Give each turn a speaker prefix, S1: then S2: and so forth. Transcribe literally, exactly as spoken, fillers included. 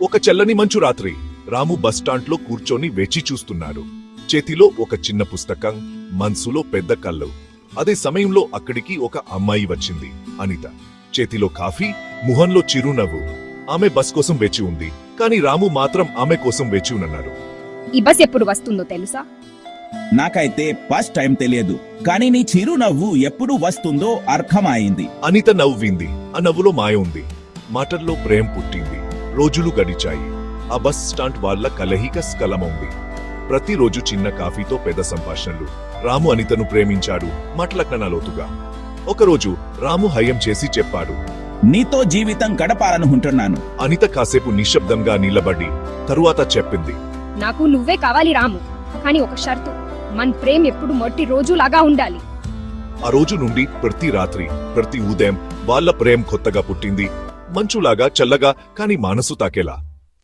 S1: ఒక చల్లని మంచు రాత్రి రాము బస్టాండ్లో కూర్చొని వేచి చూస్తున్నాడు. చేతిలో ఒక చిన్న పుస్తకం, మనసులో పెద్ద కళ్ళు. అదే సమయంలో అక్కడికి ఒక అమ్మాయి వచ్చింది, అనిత. చేతిలో కాఫీ, ముఖంలో చిరునవ్వు. ఆమె బస్ కోసం వేచి ఉంది, కానీ రాము మాత్రం ఆమె కోసం వేచి ఉన్నాడు.
S2: ఈ బస్ ఎప్పుడు వస్తుందో తెలుసా?
S3: నాకైతే ఫస్ట్ టైం తెలియదు, కానీ నీ చిరునవ్వు ఎప్పుడు వస్తుందో అర్థమైంది.
S1: అనిత నవ్వింది. ఆ నవ్వులో మాయ ఉంది. మాటల్లో ప్రేమ పుట్టింది. రోజులు గడిచాయి. ఆ బస్ స్టాండ్ వాళ్ళ కలహిక స్కలమైంది. ప్రతిరోజు చిన్న కాఫీతో పెద్ద సంభాషణలు. రాము అనితను ప్రేమించాడు, మాటలకన్నా లోతుగా. ఒకరోజు రాము హయం చేసి చెప్పాడు,
S3: నీతో జీవితం గడపాలనుకుంటున్నాను.
S1: అనిత కాసేపు నిశ్శబ్దంగా నిలబడి తరువాత చెప్పింది,
S2: నాకు నువ్వే కావాలి రాము, కానీ ఒక షరతు, మన ప్రేమ ఎప్పుడు మొట్టి రోజులాగా ఉండాలి.
S1: ఆ రోజు నుండి ప్రతి రాత్రి, ప్రతి ఉదయం వాళ్ళ ప్రేమ కొత్తగా పుట్టింది. మంచులాగా, చల్లగా, కానీ మనసు తాకేలా.